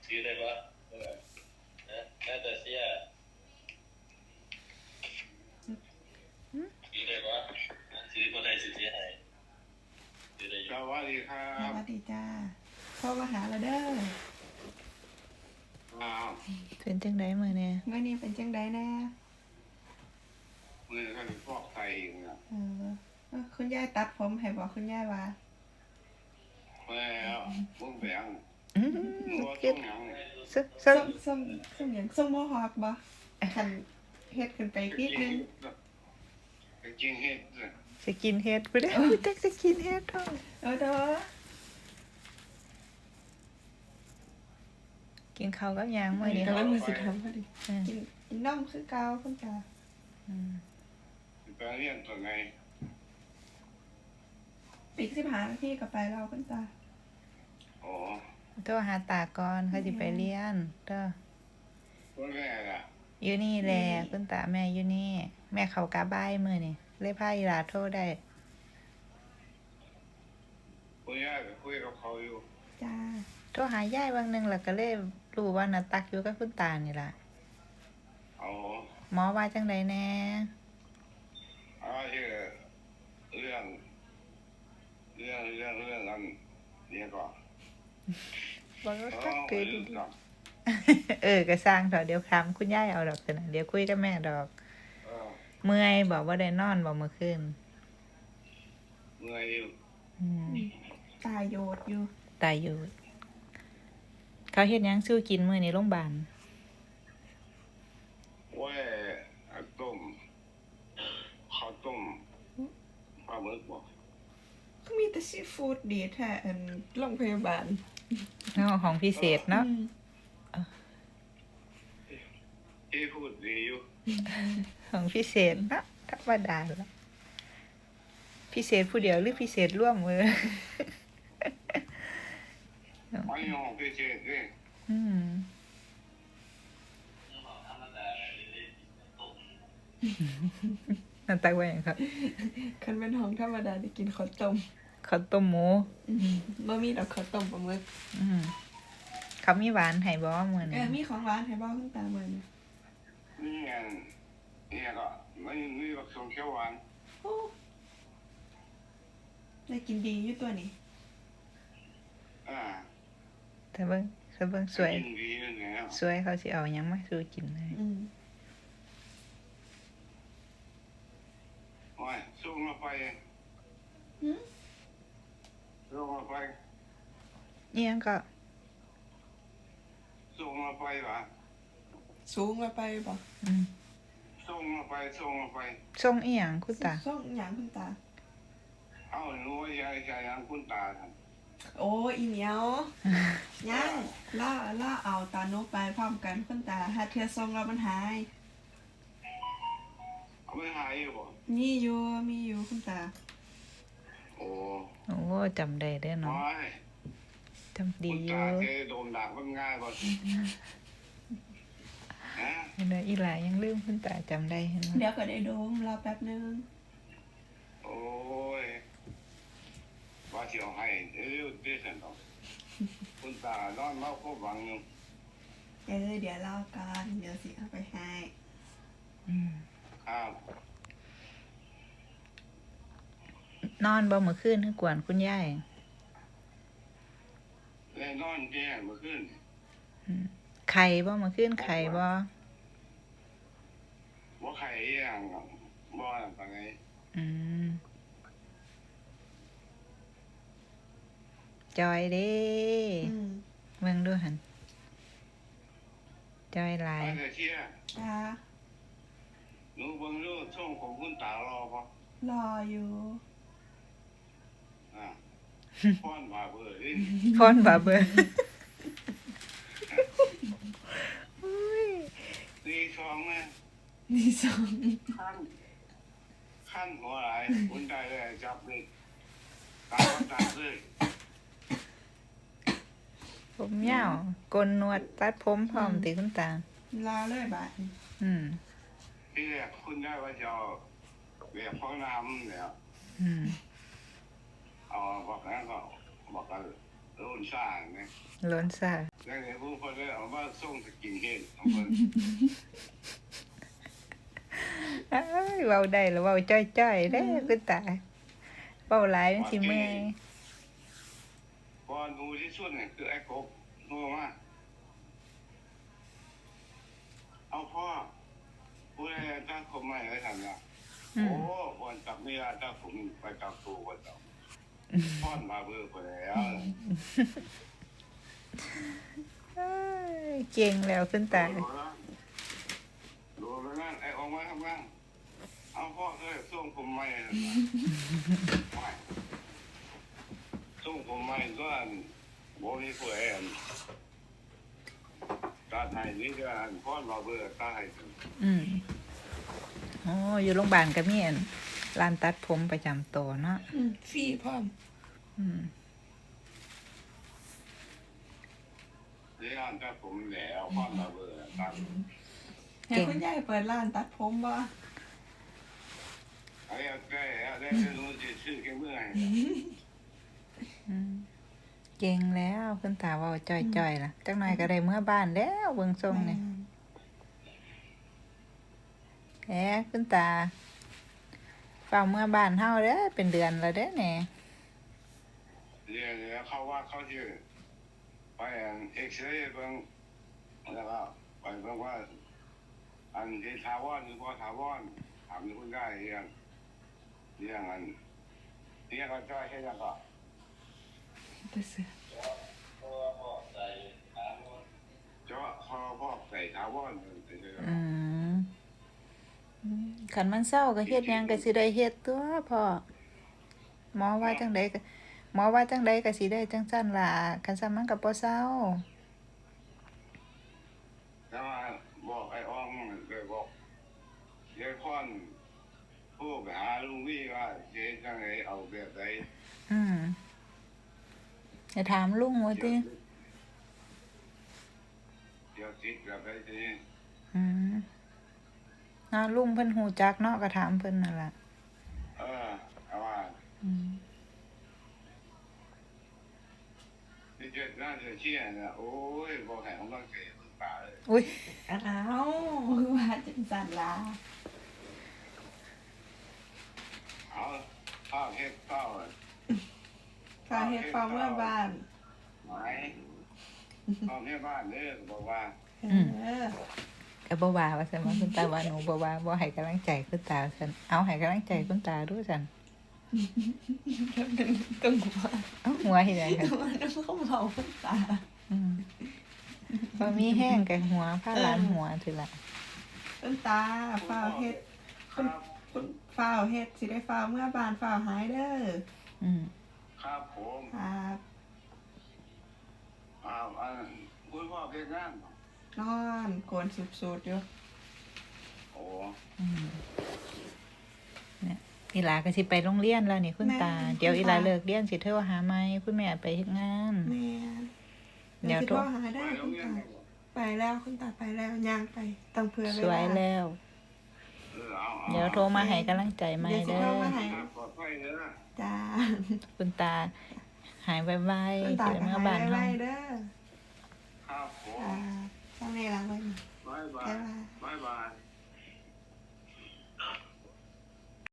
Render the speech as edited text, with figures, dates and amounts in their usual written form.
ซื้อได้ปะนะน่าจะเสียซื้อได้ปะซื้อคนไทยซื้อให้ซื้อได้อยู่สวัสดีครัสบวัสดีจ้าพ่อมาหาเราเด้อเป็นจังไดมื้อนี้เมื่อนี้เป็นจังไดแน่มือก็ฟอกไตนะคุณยายตัดผมให้บอกคุณยายว่าแล้วมึงแบงมัวเฮ็ต้ดองยังซึซึส้มหยังส้มโมฮอคบ่คันเฮ็ดขึ้นไปนิดนึงจริงเฮ็ดสกินเฮ็ดบ่ได้จักสกินเฮ็ดท้องเด้อกินข้าวกับหยังมื้อนี้กำลังมีสิทำพอดีกินนมคือเก่าคุณตาไปเรียนตัวไงอีก15 นาทีก็ไปแล้วคุณตาโอ้โทรหาตาก่อนเขาสิไปเรียนเด้อตัวแรกอ่ะอยู่นี่แหละคุณตาแม่อยู่นี่แม่เข้ากะบ่ายมื้อนี้เลยพาอีหลาโทรได้คุยกับเขาอยู่จ้าโทรหายายวันหนึงแล้วก็เลยรู้ว่าน่ะตักอยู่กับคุณตานี่ล่ะอ๋อหมอว่าจังไดแน่เรื่องนั้นเนี่ยก็บ่รู้ตักเกิดดีก็สร้างเถอะเดี๋ยวถามคุณยายเอาดอกเถอะนะเดี๋ยวคุยกับแม่ดอกเมื่อยบอกว่าได้นอนบ่เมื่อคืนเมื่อยอยู่ตายโยดอยู่ตายอยู่เขาเฮ็ดหยังสู้กินมื้อนี้โรงพยาบาลโอ้ยต้มข้าวต้มปลาหมึกบ่ก็มีแต่ซีฟู้ดดีแท้โรงพยาบาลของพิเศษเนาะที่พูดดีอยู่ของพิเศษเนาะธรรมดาละพิเศษผู้เดียวหรือพิเศษร่วมมือไม่ยอมพิเศษเลยนั่นตักไว้อย่างครับคันเป็นห้องธรรมดาได้กินข้าวต้มหมูบ่มีดอกข้าวต้มปลาหมึกเขามีหวานให้บ่มื้อนี้มีของหวานให้บ่คุณตามื้อนี้นี่ก็ไม่มีบักสมเขียวหวานโอ้ได้กินดีอยู่ตัวนี้แต่เบิ่งสวยเขาสิเอาหยังมาสู่กินเลยโอ้ยส่งมาไปส่งมาไปอีหยังก็ส่งมาไปวะสูงมาไปบ่ส่งมาไปส่งอีหยังคุณตาส่งอีหยังคุณตาเอาหนูยายยังคุณตาโอ้อีเหมียวยังล่าเอาตาโนไปพร้อมกันคุณตาถ้าเธอส่งแล้วมันหายไม่หายอยู่บ่มีอยู่คุณตาโอ้จำได้เด้อเนาะจำดีอยู่คุณตาเคยโดนด่ามันง่ายบ่เห็นไหมอีหลายังลืมคุณตาจำได้เห็นไหมเดี๋ยวก็ได้โดมรอแป๊บนึงโอ้ยว่าสิเอาให้เร็วๆดิซั่นดอกคุณตานอนเมาก็หวังอยู่เดี๋ยวรอก่อนเดี๋ยวสิเอาไปให้ครับนอนบ่เมื่อคืนคือกวนคุณยายแล้วนอนแย่เมื่อคืนไข่บ่เมื่อคืนไข่บ่ไข่อย่างบ่ปานใดจอยเด้เบิ่งดูหั่นจอยหลายหนูเบิ่งดูช่องของคุณตารอบ่รออยู่พรบาเบอร์นี่ช่องนะนี่ช่องขั้นหัวไหลคุณได้เลยจับเลยตามเลยผมยาวกลนวดตัดผมพร้อมติคุณตาลาเลยบาดที่แรกคุณได้ว่าจะเอาแบบห้องน้ำเนี่ยเอาบอกนั้นก็บอกกันล้นซ่าไงล้นซ่าแล้วเนี่ยผู้คนได้ส่งสกินเฮดของเพิ่นเอ้ยเว้าได้แล้วเว้าจ้อยๆเด้คุณตาเว้าหลายมันสิเมื่อยพอดูที่สุดเนี่ยคือไอ้กบโง่มากเอาพ่อผู้ใดตั้งผมใหม่ไว้ทำละโอ้วันจับเมียตั้งผมไปจับตัววันจับพ่อนมาเบื่อไปแล้วเอ้ยเก่งแล้วคุณตาดูแล้วนั่นไอ้ออกมาทำงานเอาพ่อเลยส่งผมใหม่ส่งผมใหม่ก็โมนี่ผู้แอนการไทยนี่ก็พ่อนมาเบื่อตายอ๋ออยู่โรงพยาบาลก็มีอันร้านตัดผมประจำตัวเนาะฟรีพร้อมอืมนี่ร้านตัดผมแล้วพ่อนมาเบื่อตายให้คุณยายเปิดร้านตัดผมบ่ไอ้ได้รู้จะชื่อแค่เมื่อไหร่อืมเก่งแล้วคุณตาเว้าจ้อยๆล่ะจักหน่อยก็ได้เมื่อบ้านแล้วเบิ่งทรงนี่แหมคุณตาเฝ้าเมื่อบ้านเฮาเด้อเป็นเดือนแล้วเด้อแหน่เรียนแล้วเขาว่าเขาชื่อไปเอ็กซเรย์เบิ่งแล้วก็ไปเบิ่งว่าอันที่ทาวอนหรือว่าทาวอนถามคุณได้เรื่องอันเรื่องก็จ้อยให้ยังก็แต่เสือเจาะคอพอกใส่ทาวอนอืมคันมันเศร้าก็เฮ็ดหยังก็สิได้เฮ็ดตัวพ่อหมอว่าจังใดก็สิได้จังซั่นล่ะคันซั่นมันก็บ่เศร้าแล้วมาบอกไอ้อ้องเลยบอกเดี๋ยวค่อนผู้ไปหาลุงวี่ว่าเจ๊จังไงเอาแบบไหนจะถามลุงว่าติเดี๋ยวจิตแบบไหนทีอืมลุงเพิ่นฮู้จักเนาะก็ถามเพิ่นนั่นล่ะเอาว่าอืมที่เจ็ดน่าจะเชี่ยนะโอ้ยบอกให้ของเราเก๋คุณป่าเลยอุ้ยอ้าวคือว่าจังซั่นล่ะเอาข้าวเฮ็ดข้าวฟ้าเฮ็ดฟ้าเมื่อบ้านไหมข้าวเฮ็ดบ้านเด้อบอกว่าก็บ่ว่าว่าซั่นว่าคุณตาว่าหนูบ่ว่าบ่ให้กำลังใจคุณตาซั่นเอาให้กำลังใจคุณตาดูซั่นต้องว่าเอาหัวเฮ็ดหยังกันต้องเขาเมาคุณตาบ่มีแห้งก็หัวพาหลานหัวซื่อล่ะคุณตาฟ้าเฮ็ดคุณฟ้าเฮ็ดสิได้ฟ้าเมื่อบ้านฟ้าหายเด้อครับผมครับคุณพ่อเฮ็ดงานนอนโกนสุดๆอยู่โอ้เนี่ยอีหลาก็สิไปโรงเรียนแล้วนี่คุณตา เดี๋ยวอีหลาเลิกเรียนสิโทรหาใหม่คุณแม่ไปเฮ็ดงานแม่เดี๋ยวสิโทรโทรหาได้คุณตาไปแล้วคุณตาไปแล้วย่างไปต้องเผื่อเวสวยลาแล้ว เดี๋ยวโทรมาให้กำลังใจใหม่เดี๋ยวสิเด้โทรอมาให้ปลอดภัยเด้อจ้าคุณตาหายไวคุณๆตาสิได้ก็เมื่อหาบ้าย นไวเฮาๆเด้อครับผมจ้าทำไงล่ะเว้ยบ๊ายบายบ๊ายบายบ๊ายบาย